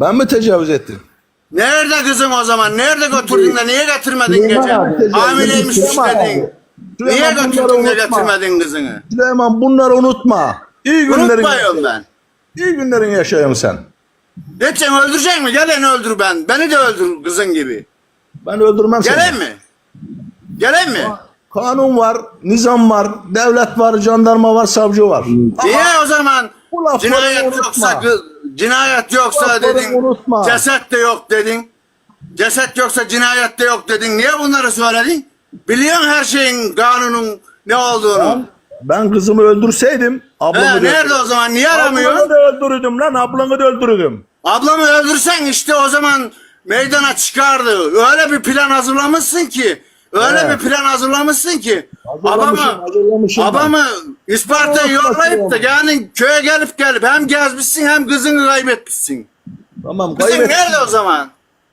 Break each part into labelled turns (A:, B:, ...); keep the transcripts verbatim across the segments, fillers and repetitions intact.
A: Ben mi tecavüz ettim?
B: Nerede kızın o zaman? Nerede götürdün de niye getirmedin
C: Süleyman
B: gece?
C: abi,
B: Hamileymiş
A: Süleyman
B: dedin. Niye
A: Süleyman, bunları
B: götürdün de
A: unutma.
B: getirmedin kızını?
A: Süleyman bunları unutma. İyi günlerin,
B: Unutmuyorum ben.
A: iyi günlerin yaşayın sen.
B: Geçen öldürecek mi? Gelen öldür ben. Beni de öldür kızın gibi.
A: Ben öldürmem seni.
B: Gelen mi? Gelen mi?
A: Kanun var, nizam var, devlet var, jandarma var, savcı var.
B: Niye o zaman
A: bu lafları
B: cinayet
A: unutma.
B: yoksa kız- cinayet yoksa
A: lafları
B: dedin.
A: unutma.
B: Ceset de yok dedin. Ceset yoksa cinayet de yok dedin. Niye bunları söyledin? Biliyorsun her şeyin, kanunun ne olduğunu.
A: Ben, ben kızımı öldürseydim ablamı
B: He,
A: da
B: nerede o zaman? Niye
A: Ablanı
B: aramıyorsun?
A: da öldürürdüm lan, ablanı da öldürürdüm.
B: Ablamı öldürsen işte o zaman meydana çıkardı. Öyle bir plan hazırlamışsın ki. Öyle
A: He.
B: bir plan hazırlamışsın ki.
A: Hazırlamışım,
B: Abamı,
A: hazırlamışım ben.
B: abamı Isparta'ya
A: Yok,
B: yollayıp da
A: yok.
B: yani köye gelip gelip hem gezmişsin hem kızını kaybetmişsin.
A: Tamam,
B: Kızın
A: kaybettim.
B: nerede o zaman?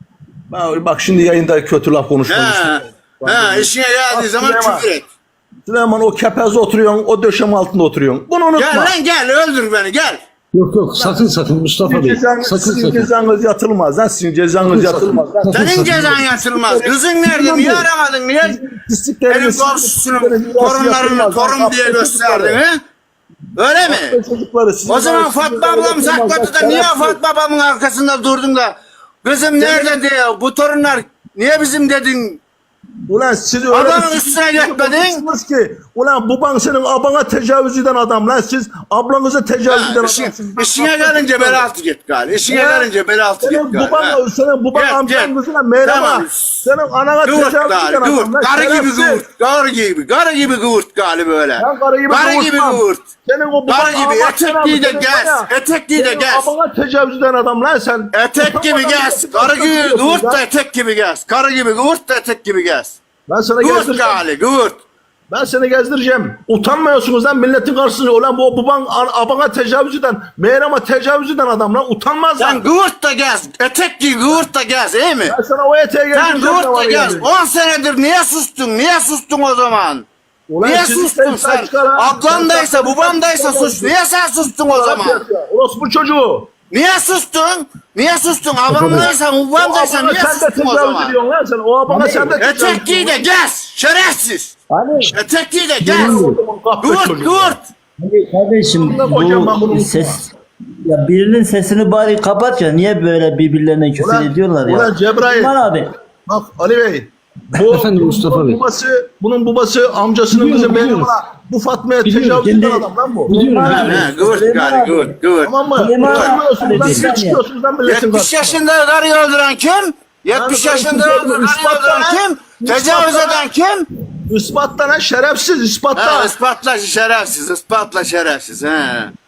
A: Ben- Bak şimdi yayında kötü laf konuşmak
B: He,
A: istiyorum.
B: he, işine geldiği
A: Bak,
B: zaman
A: Süleyman.
B: küfür et.
A: Süleyman o kepezde oturuyorsun, o döşem altında oturuyorsun. Bunu unutma.
B: Gel lan gel öldür beni gel.
C: Yok yok sakın sakın Mustafa
A: Sizin
C: Bey.
A: cezanız,
C: Sakın
A: sizin
C: sakın.
A: cezanız yatılmaz lan, sizin cezanız yatılmaz. Lan.
C: Sakın,
B: Senin
C: sakın.
B: cezan yatılmaz. Kızın nerede? Niye aramadın? Niye?
A: Pislikleriniz,
B: Benim komşusunun torunlarını torun diye gösterdin he? Öyle mi?
A: Çocukları, sizin
B: O zaman
A: arasınızda
B: Fatma ablam
A: yatılmaz.
B: sakladı da
A: Bak,
B: niye
A: şerefsiz.
B: Fatma babamın arkasında durdun da kızım nerede diye bu torunlar niye bizim dedin?
A: Ulan siz öyle
B: Adamın
A: bir-
B: üstüne gitmedin.
A: konuşuyorsunuz ki, ulan baban senin abana tecavüz eden adam lan, siz ablanıza tecavüz eden
B: Ha, işin,
A: adamsınız.
B: işine gelince bel altı git gali. İşine
A: Ya,
B: gelince bel altı
A: Senin
B: git gali.
A: baban,
B: ha.
A: senin baban
B: Gel,
A: amcan
B: gel.
A: kızına merhaba.
B: Tamam.
A: Senin anana
B: Gıvırt
A: tecavüz
B: gali,
A: eden
B: gıvırt.
A: adam lan.
B: Karı gibi
A: şerefsiz.
B: gıvırt. Karı gibi, karı gibi gıvırt gali böyle.
A: Ben karı gibi
B: Karı gibi
A: gıvırtmam.
B: gıvırt.
A: Senin o baban
B: Karı gibi
A: Allah
B: etekliği de
A: senin
B: gez.
A: bana-
B: Etekliği de
A: senin
B: gez.
A: abana tecavüz eden adam lan sen.
B: Etek gibi gez. Karı gibi gıvırt da etek gibi gez. Karı gibi gıvırt da etek gibi gez.
A: Ben sana
B: Gıvırt
A: gezdireceğim.
B: gali, gıvırt.
A: Ben seni gezdireceğim. Utanmıyorsunuz lan milletin karşısında. Ulan bu baban an- abana tecavüz eden, meğrama tecavüz eden adam lan, utanmaz
B: Sen
A: lan.
B: gıvırt da gez. Etek giy gıvırt da gez iyi mi?
A: Ben sana o eteğe
B: Sen
A: gezdireceğim.
B: gıvırt da
A: var
B: gez.
A: yani.
B: on senedir niye sustun? Niye sustun o zaman?
A: Ulan
B: Niye
A: siz-
B: sustun sen? Ablandaysa, babamdaysa sus. Niye sen sustun o zaman?
A: Orospu çocuğu.
B: Niye sustun? Niye sustun? Abamdaysa,
A: O
B: babamdaysa
A: abana
B: niye
A: sen de
B: sustun o
A: tecavüz
B: zaman?
A: ediyorsun lan sen. O abana sen de tecavüz
B: Etek giy de gez. Şerefsiz.
C: Hani,
B: Etek giy de gez.
A: Kahpe
B: Gıvırt
A: çocuğu.
B: gıvırt.
C: hani kardeşim
A: Hocam ben bunu
C: bu ses ya birinin sesini bari kapat ya, niye böyle birbirlerine küfür
A: Ulan-
C: ediyorlar ya?
A: ulan Cebrail.
C: Süleyman abi.
A: Bak Ali Bey. Bu,
C: Efendim Mustafa
A: bunun
C: Bey.
A: babası, bunun babası amcasının
C: Biliyorum,
A: kızı benim
C: biliyorum.
A: ona. Bu Fatma'ya
C: Biliyorum,
A: tecavüz
C: kendi-
A: eden adam lan bu.
C: Biliyorum.
B: Ha, ha, Gıvırt
C: Süleyman
B: gali
C: abi.
B: gıvırt gıvırt.
A: Tamam mı?
C: Süleyman abi,
A: Utanmıyorsunuz lan,
C: bir
A: bir
C: saniye.
A: çıkıyorsunuz lan milletin
B: yetmiş
A: karşısına.
B: yaşında karıyı öldüren kim? yetmiş
A: Ben-
B: yaşında
A: ben-
B: öldüren karıyı
A: ispatla
B: öldüren
A: lan.
B: kim? Tecavüz
A: İspatla
B: eden kim?
A: Ispatla lan şerefsiz, ispatla.
B: Ha, ispatla şerefsiz, ispatla şerefsiz. He.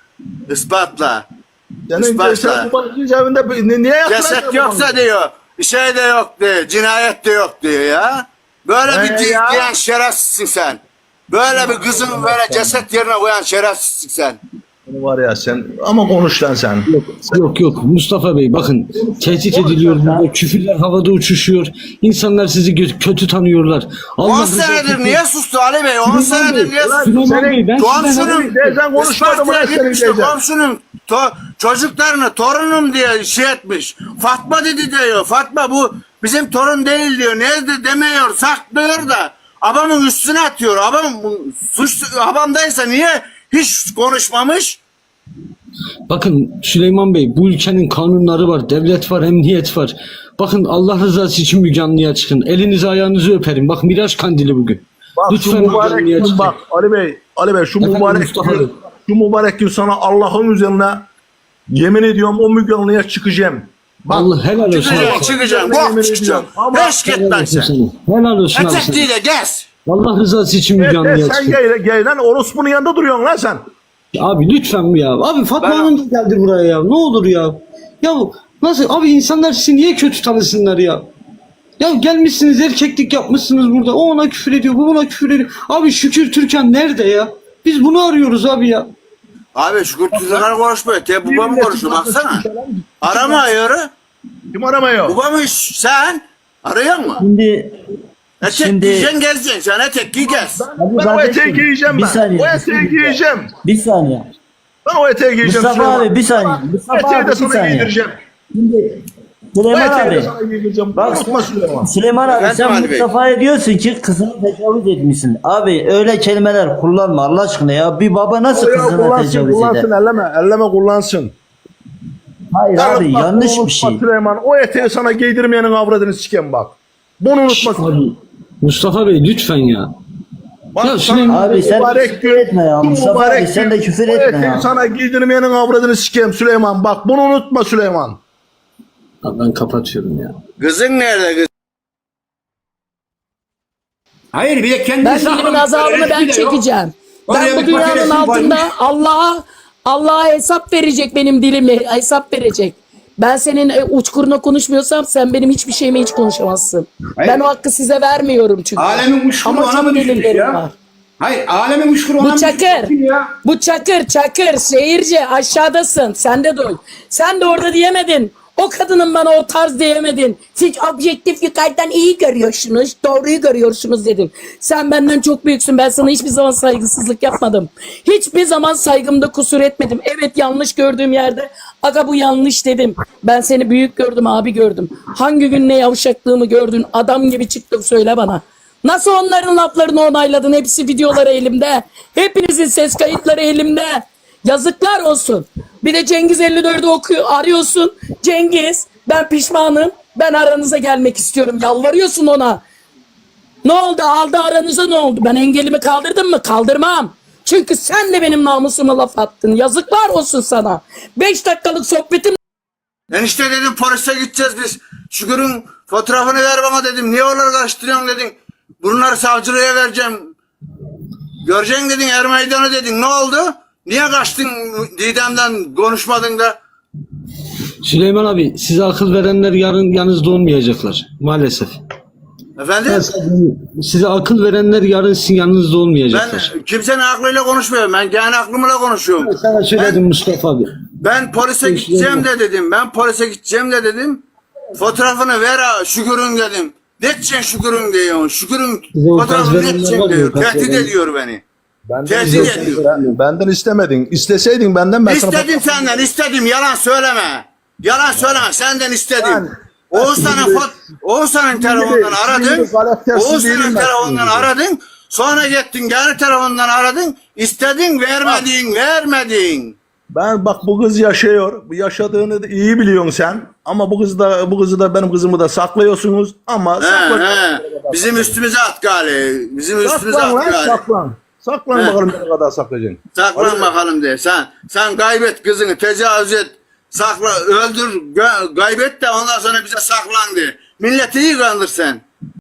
B: Ispatla.
A: Senin
B: ispatla.
A: sen babanın cebinde ni- niye yatıracaksın?
B: Ceset yoksa diyor, bir şey de yok diyor, cinayet de yok diyor ya. Böyle
A: He
B: bir
A: ya.
B: diyen diyen şerefsizsin sen. Böyle bir kızını böyle ceset yerine koyan şerefsizsin sen.
A: Var ya sen, ama konuş lan sen.
C: Yok, yok yok Mustafa Bey, bakın tehdit ediliyor burada, küfürler havada uçuşuyor, insanlar sizi gö- kötü tanıyorlar. Allah
B: on
C: rızası
B: senedir
C: için-
B: niye sustu Ali Bey? on senedir niye
A: Ulan
B: sustu?
C: Süleyman Bey, ben size
B: Komşunun,
A: Teyzen konuşmadı mı
B: Isparta'ya
A: lan senin
B: gitmiş de
A: teyzen?
B: komşunun to- çocuklarını torunum diye şey etmiş. Fatma dedi diyor. Fatma bu bizim torun değil diyor. Nerede demiyor, saklıyor da. Abamın üstüne atıyor. Abam suç abamdaysa niye hiç konuşmamış?
C: Bakın Süleyman Bey, bu ülkenin kanunları var, devlet var, emniyet var. Bakın Allah rızası için Müge Anlı'ya çıkın. Elinizi ayağınızı öperim. Bak Miraç Kandili bugün.
A: Bak
C: Lütfen
A: şu
C: Müge
A: mübarek
C: Anlı'ya
A: gün
C: çıkın.
A: bak Ali Bey, Ali Bey şu
C: Efendim
A: mübarek
C: Mustafa Bey.
A: gün, şu mübarek gün sana Allah'ın üzerine yemin ediyorum o Müge Anlı'ya çıkacağım. Bak,
C: Allah helal olsun.
B: Çıkacağım, çıkacağım.
A: Yemin
B: Bok çıkacağım.
A: ediyorum. Ama-
B: Beş git
C: Helal
B: lan
C: olsun
B: sen.
C: sana. Helal olsun abi
B: Etek
C: sana.
B: değil de gez.
C: Allah rızası için Müge
A: e, e,
C: Anlı'ya
A: sen
C: çıkın.
A: gel, gel lan orospunun yanında duruyorsun lan sen.
C: Abi lütfen ya. Abi Fatma
B: Ben-
C: Hanım da geldi buraya ya. Ne olur ya. Ya nasıl? Abi insanlar sizi niye kötü tanısınlar ya? Ya gelmişsiniz, erkeklik yapmışsınız burada. O ona küfür ediyor, bu buna küfür ediyor. Abi Şükür Türkan nerede ya? Biz bunu arıyoruz abi ya.
B: Abi şu kurtuluşlar konuşmuyor. Te babam konuşuyor baksana. Arama ayarı.
A: Kim aramıyor?
B: Babamı sen arıyor mu?
C: Şimdi
B: Etek
C: Şimdi-
B: giyeceksin gezeceksin. Sen etek giy gez.
C: Abi
A: Ben o
C: kardeşim,
A: eteği giyeceğim
C: bir
A: ben.
C: saniye,
A: O
C: bir
A: eteği
C: saniye.
A: giyeceğim.
C: Bir saniye.
A: Ben o eteği giyeceğim.
C: Mustafa
A: Süleyman.
C: abi bir saniye. Mustafa
A: Eteği
C: abi
A: de
C: bir
A: sana
C: saniye.
A: giydireceğim.
D: Şimdi
A: Bu
D: Süleyman
A: eteği de
D: abi.
A: sana giydireceğim.
D: Bak
A: Unutma Süleyman.
D: Süleyman abi
B: Efendim
D: sen
B: Ali Bey?
D: Mustafa'ya diyorsun ki kızını tecavüz etmişsin. Abi öyle kelimeler kullanma Allah aşkına ya. Bir baba nasıl
A: O ya
D: kızına
A: kullansın,
D: tecavüz
A: kullansın,
D: eder?
A: elleme, elleme kullansın.
D: Hayır abi
A: Yalnız bak,
D: yanlış
A: bunu
D: bir şey.
A: unutma Süleyman, o eteği sana giydirmeyenin avradını sikem bak. Bunu unutma.
C: Abi Mustafa Bey lütfen ya.
A: Bak,
C: Ya
A: sana
C: Süleyman-
D: Abi sen
A: mübarek
D: küfür
A: gün,
D: etme ya
A: bu
D: Mustafa
A: mübarek
D: abi sen de
A: gün,
D: küfür
A: o
D: etme
A: eteği
D: ya.
A: sana giydirmeyenin avradını sikem Süleyman. Bak bunu unutma Süleyman.
C: Abi ben kapatıyorum ya.
B: Kızın nerede kız?
E: Hayır bir de kendini
F: Ben dilimin azabını ben çekeceğim. Ben bu dünyanın altında Allah'a Allah'a hesap verecek benim dilimle hesap verecek. Ben senin e, uçkuruna konuşmuyorsam sen benim hiçbir şeyime hiç konuşamazsın.
E: Hayır.
F: Ben o hakkı size vermiyorum çünkü.
E: Alemin uçkuru
F: Ama
E: ona
F: çok
E: mı düşmüş
F: delillerim
E: ya?
F: var.
E: Hayır alemin uçkuru ona
F: Bu
E: mı
F: çakır.
E: düşmüş ya?
F: Bu çakır çakır seyirci aşağıdasın. Sen de duy. Sen de orada diyemedin. O kadının bana o tarz diyemedin. Siz objektif yukarıdan iyi görüyorsunuz. Doğruyu görüyorsunuz dedin. Sen benden çok büyüksün. Ben sana hiçbir zaman saygısızlık yapmadım. Hiçbir zaman saygımda kusur etmedim. Evet yanlış gördüğüm yerde aga bu yanlış dedim. Ben seni büyük gördüm abi gördüm. Hangi gün ne yavşaklığımı gördün adam gibi çıktın söyle bana. Nasıl onların laflarını onayladın? Hepsi videoları elimde. Hepinizin ses kayıtları elimde. Yazıklar olsun. Bir de Cengiz elli dördü okuyor, arıyorsun. Cengiz ben pişmanım. Ben aranıza gelmek istiyorum. Yalvarıyorsun ona. Ne oldu? Aldı aranıza ne oldu? Ben engelimi kaldırdım mı? Kaldırmam. Çünkü sen de benim namusuma laf attın. Yazıklar olsun sana. Beş dakikalık sohbetim
B: Enişte dedim polise gideceğiz biz. Şükür'ün fotoğrafını ver bana dedim. Niye onları karıştırıyorsun dedin. Bunları savcılığa vereceğim. Göreceksin dedin er meydanı dedin. Ne oldu? Niye kaçtın Didem'den konuşmadın da?
C: Süleyman abi size akıl verenler yarın yanınızda olmayacaklar maalesef.
B: Efendim?
C: Ben size- size akıl verenler yarın sizin yanınızda olmayacaklar.
B: Ben kimsenin aklıyla konuşmuyorum. Ben kendi aklımla konuşuyorum.
C: Ben sana söyledim Mustafa abi.
B: Ben polise gideceğim de dedim. Ben polise gideceğim de dedim. Fotoğrafını ver ha, Şükür'ün dedim. Ne edeceksin Şükür'ün diyor. Şükür'ün
C: Bize o tarz
B: fotoğrafını ne
C: verenler
B: edeceksin
C: var ya,
B: diyor.
C: o tarz
B: Tehdit
C: verenler.
B: ediyor beni.
A: Benden,
B: Tehdit
A: isteseydin-
B: ediyor.
A: ben- benden istemedin. İsteseydin benden ben sana...
B: İstedim senden istedim. Yalan söyleme. Yalan söyleme. Senden istedim.
A: Ben-
B: Oğuzhan'ın
A: Şimdi-
B: fot Oğuzhan'ın
A: Şimdi-
B: telefonundan
A: şimdi
B: aradın.
A: karaktersiz değilim
B: Oğuzhan'ın
A: ben
B: telefonundan
A: şimdi.
B: aradın. Sonra gittin kendi telefonundan aradın. İstedin vermedin vermedin.
A: Ben bak bu kız yaşıyor. Bu yaşadığını da iyi biliyorsun sen. Ama bu kızı da bu kızı da benim kızımı da saklıyorsunuz. Ama
B: He,
A: sakla.
B: he. Bizim üstümüze at gali. Bizim üstümüze
A: Saklan
B: at
A: lan
B: gali.
A: saklan. Saklan
B: He.
A: bakalım ne kadar saklayacaksın.
B: Saklan bakalım de. Sen sen kaybet kızını, tecavüz et. Sakla, öldür, gö- kaybet de ondan sonra bize saklan de. Milleti iyi kandır sen.